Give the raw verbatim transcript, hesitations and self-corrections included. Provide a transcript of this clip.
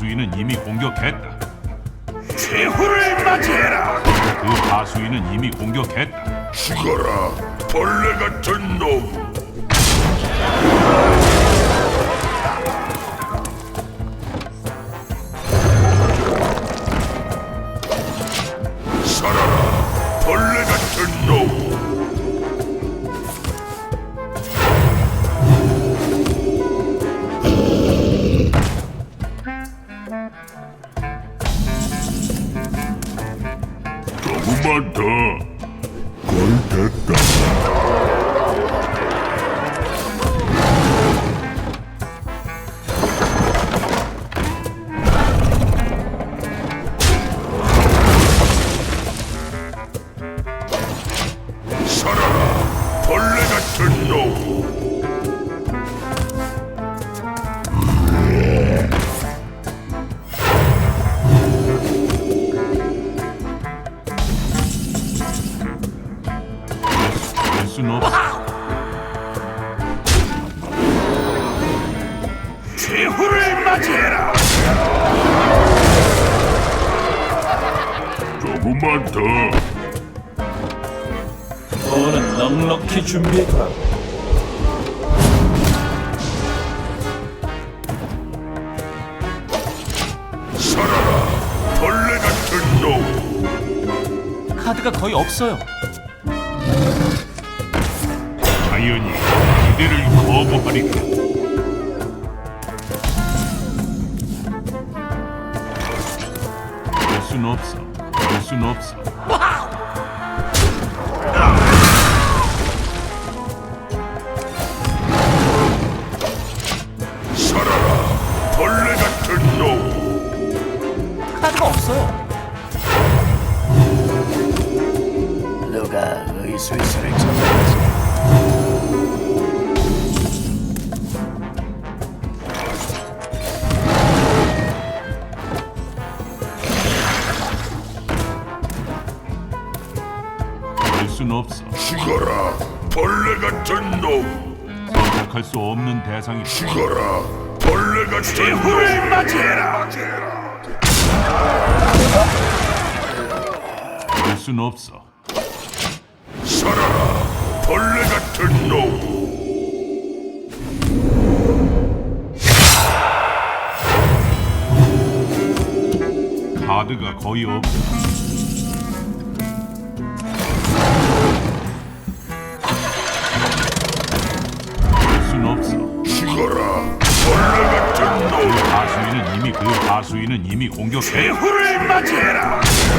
하수인은 이미 공격했다. 최후를 맞이해라. 그 하수인은 이미 공격했다. 죽어라, 벌레 같은 놈. 살아라, 벌레 같은 놈. 조금만 더. 걸 됐다. 살아라, 벌레 같은 놈. 될 순 없어. 최후를 맞이해라. 조금만 더. 너는 넉넉히 준비해두라. 살아라, 벌레 같은 놈. 카드가 거의 없어요. 자연이 기대를 거부하리라. 될 순 없어. 될 순 없어. 살아라, 벌레 같은 놈. 카드가 없어요. 누가 의술수를 찾아야지. 될 순 없어. 죽어라, 벌레 같은 놈. 선택할 수 없는 대상이 죽어라, 벌레 같은 최후를 맞이해라. 될 순 없어. 살아라, 벌레 같은 놈. 카드가 거의 없다. 될 순 없어. 죽어라, 벌레 같은 그 놈. 하수인은 이미 그 하수인은 이미 공격해. 최후를 맞이해라.